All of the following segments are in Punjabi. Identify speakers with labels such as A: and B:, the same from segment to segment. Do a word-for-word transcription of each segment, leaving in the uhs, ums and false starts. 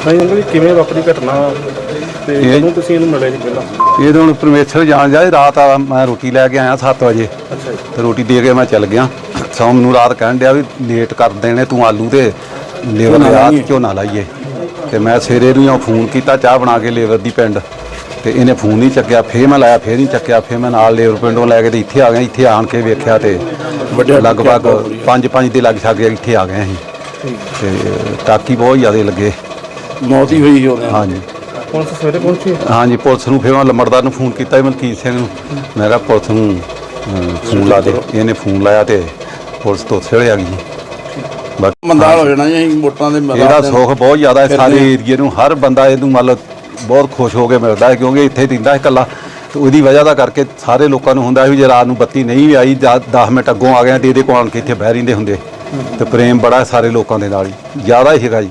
A: ਨਹੀਂ ਅੰਕਲ ਕਿਵੇਂ ਵਾਪਰੀ ਘਟਨਾ ਤੇ ਜਦੋਂ ਤੁਸੀਂ ਇਹਨੂੰ ਮਿਲੇ ਸੀ ਪਹਿਲਾਂ?
B: ਇਹ ਤਾਂ ਹੁਣ ਪਰਮੇਸ਼ਰ ਜਾਣ ਜਾਏ। ਰਾਤ ਆ ਮੈਂ ਰੋਟੀ ਲੈ ਕੇ ਆਇਆ ਸੱਤ ਵਜੇ
A: ਅੱਛਾ ਜੀ।
B: ਤੇ ਰੋਟੀ ਦੇ ਕੇ ਮੈਂ ਚੱਲ ਗਿਆ। ਸ਼ਾਮ ਨੂੰ ਰਾਤ ਕਹਿਣ ਡਿਆ ਵੀ ਲੇਟ ਕਰ ਦੇਣੇ ਤੂੰ ਆਲੂ ਤੇ ਲੇਬਰ ਲਿਆ ਝੋਨਾ ਲਾਈਏ। ਤੇ ਮੈਂ ਸਵੇਰੇ ਨੂੰ ਫੋਨ ਕੀਤਾ ਚਾਹ ਬਣਾ ਕੇ ਲੇਬਰ ਦੀ ਪਿੰਡ, ਤੇ ਇਹਨੇ ਫੋਨ ਨਹੀਂ ਚੱਕਿਆ। ਫਿਰ ਮੈਂ ਲਾਇਆ, ਫਿਰ ਨਹੀਂ ਚੱਕਿਆ। ਫਿਰ ਮੈਂ ਨਾਲ ਲੇਬਰ ਪਿੰਡੋਂ ਲੈ ਕੇ ਤੇ ਇੱਥੇ ਆ ਗਿਆ। ਇੱਥੇ ਆਣ ਕੇ ਵੇਖਿਆ ਤੇ ਲਗਭਗ ਪੰਜ ਪੰਜ ਦੇ ਲੱਗ ਛਾਗੇ ਇੱਥੇ ਆ ਗਏ ਅਸੀਂ। ਤੇ ਟਾਕੀ ਬਹੁਤ ਜ਼ਿਆਦਾ ਲੱਗੇ,
A: ਮੌਤ ਹੀ ਹੋਈ ਉਹਨੇ।
B: ਹਾਂਜੀ
A: ਪੁਲਿਸ ਸਵੇਰੇ ਪਹੁੰਚੀ?
B: ਹਾਂਜੀ ਪੁਲਿਸ ਨੂੰ। ਫਿਰ ਮੈਂ ਲੰਬੜਦਾਰ ਨੂੰ ਫੋਨ ਕੀਤਾ ਮਲਕੀਤ ਸਿੰਘ ਨੂੰ। ਮੈਂ ਕਿਹਾ ਪੁਲਿਸ ਨੂੰ ਫੋਨ ਲਾ ਦੇ। ਇਹਨੇ ਫੋਨ ਲਾਇਆ ਤੇ ਪੁਲਿਸ ਤੋਂ ਉੱਥੇ ਆ ਗਈ।
A: ਮੰਦਾਲ ਹੋ ਜਾਣਾ ਜੀ ਵੋਟਾਂ ਦੇ।
B: ਇਹਦਾ ਸੁੱਖ ਬਹੁਤ ਜ਼ਿਆਦਾ ਹੈ ਸਾਰੇ ਏਰੀਏ ਨੂੰ। ਹਰ ਬੰਦਾ ਇਹਨੂੰ ਮਤਲਬ ਬਹੁਤ ਖੁਸ਼ ਹੋ ਕੇ ਮਿਲਦਾ ਹੈ, ਕਿਉਂਕਿ ਇੱਥੇ ਦਿੰਦਾ ਹੈ ਇਕੱਲਾ। ਤੇ ਉਹਦੀ ਵਜ੍ਹਾ ਦਾ ਕਰਕੇ ਸਾਰੇ ਲੋਕਾਂ ਨੂੰ ਹੁੰਦਾ ਵੀ ਜੇ ਰਾਤ ਨੂੰ ਬੱਤੀ ਨਹੀਂ ਵੀ ਆਈ ਦਸ ਮਿੰਟ ਅੱਗੋਂ ਆ ਗਏ ਤੇ ਇਹਦੇ ਕੋਲ ਆਣ ਕੇ ਇੱਥੇ ਬਹਿ ਰਹਿੰਦੇ ਹੁੰਦੇ। ਤੇ ਪ੍ਰੇਮ ਬੜਾ ਸਾਰੇ ਲੋਕਾਂ ਦੇ ਨਾਲ ਹੀ ਜ਼ਿਆਦਾ ਹੀ ਹੈਗਾ ਜੀ।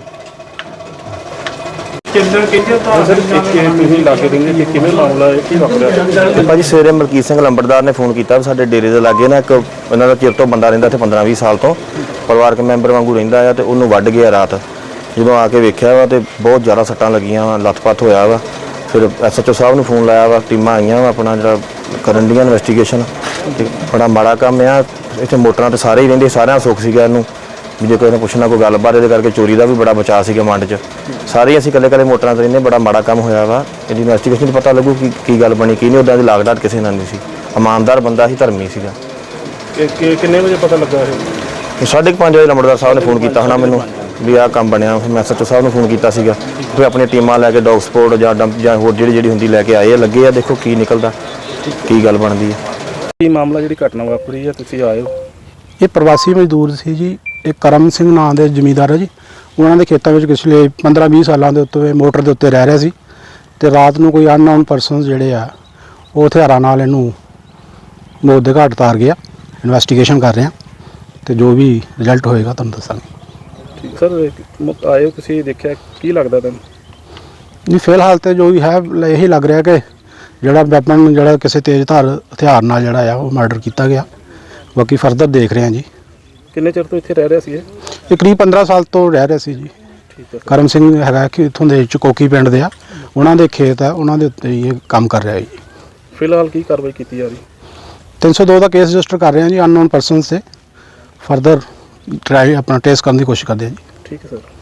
C: ਭਾਜੀ ਸਵੇਰੇ ਮਲਕੀਤ ਸਿੰਘ ਲੰਬੜਦਾਰ ਨੇ ਫੋਨ ਕੀਤਾ ਸਾਡੇ ਡੇਰੇ ਦੇ ਲਾਗੇ ਨਾ ਇੱਕ ਉਹਨਾਂ ਦਾ ਚਿਰ ਤੋਂ ਬੰਦਾ ਰਹਿੰਦਾ ਇੱਥੇ ਪੰਦਰਾਂ ਵੀਹ ਸਾਲ ਤੋਂ, ਪਰਿਵਾਰਕ ਮੈਂਬਰ ਵਾਂਗੂ ਰਹਿੰਦਾ ਆ, ਤੇ ਉਹਨੂੰ ਵੱਢ ਗਿਆ ਰਾਤ। ਜਦੋਂ ਆ ਕੇ ਵੇਖਿਆ ਵਾ ਤੇ ਬਹੁਤ ਜ਼ਿਆਦਾ ਸੱਟਾਂ ਲੱਗੀਆਂ ਵਾ, ਲੱਤ-ਪੱਤ ਹੋਇਆ ਵਾ। ਫਿਰ ਐਸ ਐਚ ਓ ਸਾਹਿਬ ਨੂੰ ਫੋਨ ਲਾਇਆ ਵਾ, ਟੀਮਾਂ ਆਈਆਂ ਵਾ ਆਪਣਾ ਜਿਹੜਾ ਕਰਨ ਦੀਆਂ ਇਨਵੈਸਟੀਗੇਸ਼ਨ। ਤੇ ਬੜਾ ਮਾੜਾ ਕੰਮ ਆ। ਇੱਥੇ ਮੋਟਰਾਂ ਤੇ ਸਾਰੇ ਹੀ ਰਹਿੰਦੇ, ਸਾਰਿਆਂ ਸੁੱਖ ਸੀਗਾ ਇਹਨੂੰ ਵੀ ਜੇ ਕੋਈ ਨੇ ਪੁੱਛਣਾ ਕੋਈ ਗੱਲਬਾਤ। ਇਹਦੇ ਕਰਕੇ ਚੋਰੀ ਦਾ ਵੀ ਬੜਾ ਬਚਾਅ ਸੀਗਾ ਮੰਡ 'ਚ। ਸਾਰੇ ਅਸੀਂ ਇਕੱਲੇ ਇਕੱਲੇ ਮੋਟਰਾਂ 'ਤੇ ਰਹਿੰਦੇ। ਬੜਾ ਮਾੜਾ ਕੰਮ ਹੋਇਆ ਵਾ। ਇਹਦੀ ਇਨਵੈਸਟੀਗੇਸ਼ਨ 'ਚ ਪਤਾ ਲੱਗੂ ਕਿ ਕੀ ਗੱਲ ਬਣੀ ਕੀ ਨਹੀਂ। ਉੱਦਾਂ ਦੀ ਲਾਗਡਾਟ ਕਿਸੇ ਨਾਲ ਨਹੀਂ ਸੀ। ਇਮਾਨਦਾਰ ਬੰਦਾ ਸੀ, ਧਰਮੀ ਸੀਗਾ।
A: ਕਿੰਨੇ ਵਜੇ ਪਤਾ ਲੱਗਾ ਇਹ?
C: ਸਾਢੇ ਕੁ ਪੰਜ ਵਜੇ ਲੰਬੜਦਾਰ ਸਾਹਿਬ ਨੇ ਫੋਨ ਕੀਤਾ ਹੋਣਾ ਮੈਨੂੰ ਵੀ ਆਹ ਕੰਮ ਬਣਿਆ। ਫਿਰ ਮੈਂ ਐਸ ਐਚ ਓ ਸਾਹਿਬ ਨੂੰ ਫੋਨ ਕੀਤਾ ਸੀਗਾ। ਫਿਰ ਆਪਣੀਆਂ ਟੀਮਾਂ ਲੈ ਕੇ ਡੌਗ ਸਪੋਰਟ ਜਾਂ ਡੰਪ ਜਾਂ ਹੋਰ ਜਿਹੜੀ ਜਿਹੜੀ ਹੁੰਦੀ ਲੈ ਕੇ ਆਏ ਆ, ਲੱਗੇ ਆ। ਦੇਖੋ ਕੀ ਨਿਕਲਦਾ, ਕੀ ਗੱਲ ਬਣਦੀ ਹੈ।
A: ਕੀ ਮਾਮਲਾ ਜਿਹੜੀ ਘਟਨਾ ਵਾਪਰੀ ਹੈ ਤੁਸੀਂ ਆਏ ਹੋ?
D: ਇਹ ਪ੍ਰਵਾਸੀ ਮਜ਼ਦੂਰ ਸੀ ਜੀ। ਇਹ ਕਰਮ ਸਿੰਘ ਨਾਂ ਦੇ ਜ਼ਮੀਂਦਾਰ ਹੈ ਜੀ। ਉਹਨਾਂ ਦੇ ਖੇਤਾਂ ਵਿੱਚ ਪਿਛਲੇ ਪੰਦਰਾਂ ਵੀਹ ਸਾਲਾਂ ਦੇ ਉੱਤੇ ਮੋਟਰ ਦੇ ਉੱਤੇ ਰਹਿ ਰਿਹਾ ਸੀ। ਤੇ ਰਾਤ ਨੂੰ ਕੋਈ ਅਨਨੋਨ ਪਰਸਨ ਜਿਹੜੇ ਆ ਉਹ ਹਥਿਆਰਾਂ ਨਾਲ ਇਹਨੂੰ ਮੌਤ ਦੇ ਘਾਟ ਉਤਾਰ ਗਿਆ। ਇਨਵੈਸਟੀਗੇਸ਼ਨ ਕਰ ਰਹੇ ਹਾਂ ਤੇ ਜੋ ਵੀ ਰਿਜ਼ਲਟ ਹੋਏਗਾ ਤੁਹਾਨੂੰ ਦੱਸਾਂਗੇ।
A: ਠੀਕ ਸਰ, ਆਏ ਹੋ ਤੁਸੀਂ, ਦੇਖਿਆ ਕੀ ਲੱਗਦਾ ਤੁਹਾਨੂੰ?
D: ਨਹੀਂ ਫਿਲਹਾਲ ਤੇ ਜੋ ਵੀ ਹੈ ਇਹੀ ਲੱਗ ਰਿਹਾ ਕਿ ਜਿਹੜਾ ਵੈਪਨ ਜਿਹੜਾ ਕਿਸੇ ਤੇਜ਼ ਧਾਰ ਹਥਿਆਰ ਨਾਲ ਜਿਹੜਾ ਆ ਉਹ ਮਰਡਰ ਕੀਤਾ ਗਿਆ। ਬਾਕੀ ਫਰਦਰ ਦੇਖ ਰਹੇ ਹਾਂ ਜੀ।
A: ਕਿੰਨੇ ਚਿਰ ਤੋਂ ਇੱਥੇ ਰਹਿ ਰਿਹਾ ਸੀ ਇਹ?
D: ਇਹ ਕਰੀਬ ਪੰਦਰਾਂ ਸਾਲ ਤੋਂ ਰਹਿ ਰਿਹਾ ਸੀ ਜੀ।
A: ਠੀਕ ਹੈ।
D: ਕਰਮ ਸਿੰਘ ਹੈਗਾ ਕਿ ਇੱਥੋਂ ਦੇ ਚਕੋਕੀ ਪਿੰਡ ਦੇ ਆ, ਉਹਨਾਂ ਦੇ ਖੇਤ ਆ, ਉਹਨਾਂ ਦੇ ਉੱਤੇ ਇਹ ਕੰਮ ਕਰ ਰਿਹਾ ਜੀ।
A: ਫਿਲਹਾਲ ਕੀ ਕਾਰਵਾਈ ਕੀਤੀ ਜਾ ਰਹੀ?
D: ਤਿੰਨ ਸੌ ਦੋ ਦਾ ਕੇਸ ਰਜਿਸਟਰ ਕਰ ਰਹੇ ਹਾਂ ਜੀ ਅਨਨੋਨ ਪਰਸਨਸ ਤੇ। ਫਰਦਰ ਟਰਾਈ ਆਪਣਾ ਟੈਸਟ ਕਰਨ ਦੀ ਕੋਸ਼ਿਸ਼ ਕਰਦੇ ਹਾਂ ਜੀ।
A: ਠੀਕ ਹੈ ਸਰ।